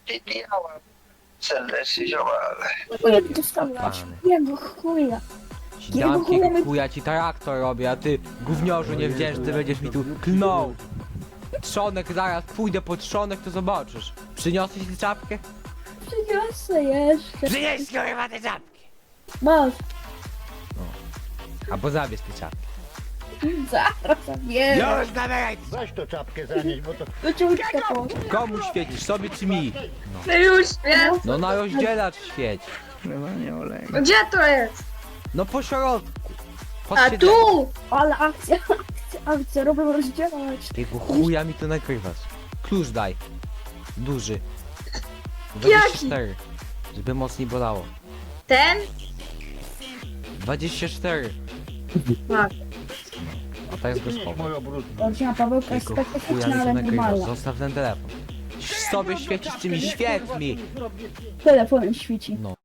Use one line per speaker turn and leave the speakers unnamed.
Widziałem serdecznie ziomale.
Chuja ty dostawać. Jego chuja.
Dam chuja ci traktor robię, a ty gówniorzu niewdzięczny będziesz mi tu klnął. Trzonek zaraz, pójdę po trzonek, to zobaczysz. Przyniosłeś tę czapkę?
Przyniosę jeszcze.
Przynieś kurwa tę czapkę!
Masz.
Albo zabierz tę czapkę.
Zaraz zabieram.
Już zabieraj!
Weź to czapkę zanieść, bo to...
Do ciągnika po.
Komu świecisz, sobie czy mi?
No już wiem.
No na rozdzielacz świeć.
Gdzie to jest?
No po środku. Pod
A
siedzeniem.
tu!
Ale akcja, robię rozdzielać.
Jakiego chuja mi to nagrywasz? Klucz daj. Duży.
Jaki?
24. Żeby mocniej bolało.
Ten?
24.
Tak.
A teraz go
Przynieś
schowam.
moją brudną.
Rodzina Pawełka jest
Jakiego chuja mi
specyficzna,
to
ale
nagrywasz?
normalna.
Zostaw ten telefon. Sobie świecisz, czy mi świeć mi.
Telefonem świeci.
No.